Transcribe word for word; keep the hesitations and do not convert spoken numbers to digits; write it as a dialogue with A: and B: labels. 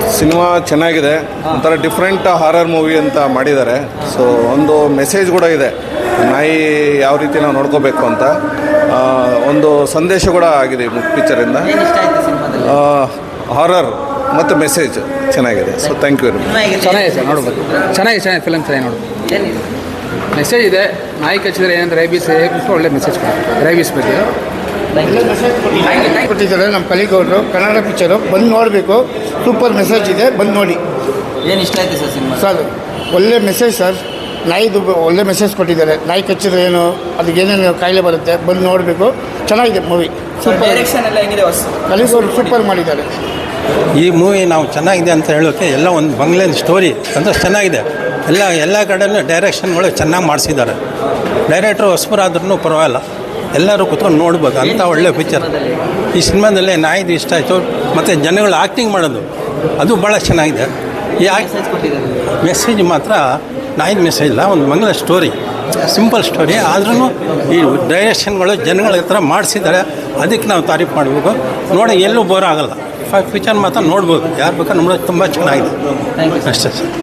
A: Cinema ಚೆನ್ನಾಗಿದೆ, ಒಂಥರ different horror movie ಅಂತ ಮಾಡಿದ್ದಾರೆ. ಸೊ ಒಂದು ಮೆಸೇಜ್ ಕೂಡ ಇದೆ, ನಾಯಿ ಯಾವ ರೀತಿ ನಾವು ನೋಡ್ಕೋಬೇಕು ಅಂತ ಒಂದು ಸಂದೇಶ ಕೂಡ ಆಗಿದೆ ಈ ಪಿಕ್ಚರಿಂದ. ಹಾರರ್ ಮತ್ತು ಮೆಸೇಜ್ ಚೆನ್ನಾಗಿದೆ. So thank you very much.
B: ಚೆನ್ನಾಗಿದೆ ಸರ್, ನೋಡ್ಬೋದು. ಚೆನ್ನಾಗಿದೆ ಚೆನ್ನಾಗಿ ಫಿಲಮ್ ಚೆನ್ನಾಗಿ ನೋಡ್ಬೋದು. ಮೆಸೇಜ್ ಇದೆ, ನಾಯಿ ಕಚ್ಚಿದ್ರೆ ಏನಂದ್ರೆ ರೈಬೀಸ್ ರೇಬಿಸ್ ಒಳ್ಳೆ ಮೆಸೇಜ್ ಕೊಡ್ತಾರೆ ರೈಬೀಸ್ ಬಗ್ಗೆ
C: ಕೊಟ್ಟಿದ್ದಾರೆ. ನಮ್ಮ ಕಲಿಗೌಡರು ಕನ್ನಡ ಪಿಕ್ಚರು ಬಂದು ನೋಡಬೇಕು. ಸೂಪರ್ ಮೆಸೇಜ್ ಇದೆ, ಬಂದು ನೋಡಿ.
D: ಏನು ಇಷ್ಟ ಆಯಿತು ಸರ್ ಸಿನಿಮಾ?
C: ಸರ್ ಒಳ್ಳೆ ಮೆಸೇಜ್ ಸರ್, ನಾಯಿದು ಒಳ್ಳೆ ಮೆಸೇಜ್ ಕೊಟ್ಟಿದ್ದಾರೆ. ನಾಯಿ ಕಚ್ಚಿದ್ರೆ ಏನು, ಅದಕ್ಕೆ ಏನೇನು ಕಾಯಿಲೆ ಬರುತ್ತೆ, ಬಂದು ನೋಡಬೇಕು. ಚೆನ್ನಾಗಿದೆ ಮೂವಿ. ಸೂಪರ್
D: ಡೈರೆಕ್ಷನ್ ಎಲ್ಲ ಹೆಂಗಿದೆ?
C: ಕಲಿಗೌಡರು ಸೂಪರ್ ಮಾಡಿದ್ದಾರೆ.
E: ಈ ಮೂವಿ ನಾವು ಚೆನ್ನಾಗಿದೆ ಅಂತ ಹೇಳೋಕ್ಕೆ ಎಲ್ಲ ಒಂದು ಬಂಗ್ಲೆನ್ ಸ್ಟೋರಿ ಅಂದರೆ ಚೆನ್ನಾಗಿದೆ. ಎಲ್ಲ ಎಲ್ಲ ಕಡೆಯೂ ಡೈರೆಕ್ಷನ್ಗಳು ಚೆನ್ನಾಗಿ ಮಾಡಿಸಿದ್ದಾರೆ. ಡೈರೆಕ್ಟ್ರು ಹೊಸಬರಾದ್ರೂ ಪರವಾಗಿಲ್ಲ, ಎಲ್ಲರೂ ಕುತ್ಕೊಂಡು ನೋಡ್ಬೋದು ಅಂಥ ಒಳ್ಳೆ ಪಿಕ್ಚರ್. ಈ ಸಿನಿಮಾದಲ್ಲಿ ನಾಯಿದು ಇಷ್ಟ ಆಯಿತು, ಮತ್ತು ಜನಗಳು ಆ್ಯಕ್ಟಿಂಗ್ ಮಾಡೋದು ಅದು ಭಾಳ ಚೆನ್ನಾಗಿದೆ. ಈ ಮೆಸೇಜ್ ಮಾತ್ರ ನಾಯಿದ ಮೆಸೇಜ್ ಇಲ್ಲ, ಒಂದು ಮಂಗಳ ಸ್ಟೋರಿ, ಸಿಂಪಲ್ ಸ್ಟೋರಿ. ಆದ್ರೂ ಈ ಡೈರೆಕ್ಷನ್ಗಳು ಜನಗಳ ಹತ್ರ ಮಾಡಿಸಿದ್ದಾರೆ, ಅದಕ್ಕೆ ನಾವು ತಾರೀಫ್ ಮಾಡಬೇಕು. ನೋಡಿ ಎಲ್ಲೂ ಬೋರ್ ಆಗೋಲ್ಲ, ಪಿಕ್ಚರ್ ಮಾತ್ರ ನೋಡ್ಬೋದು, ಯಾರು ಬೇಕಾದ್ರೆ ನೋಡೋದು ತುಂಬ ಚೆನ್ನಾಗಿದೆ ಅಷ್ಟೇ ಸರ್.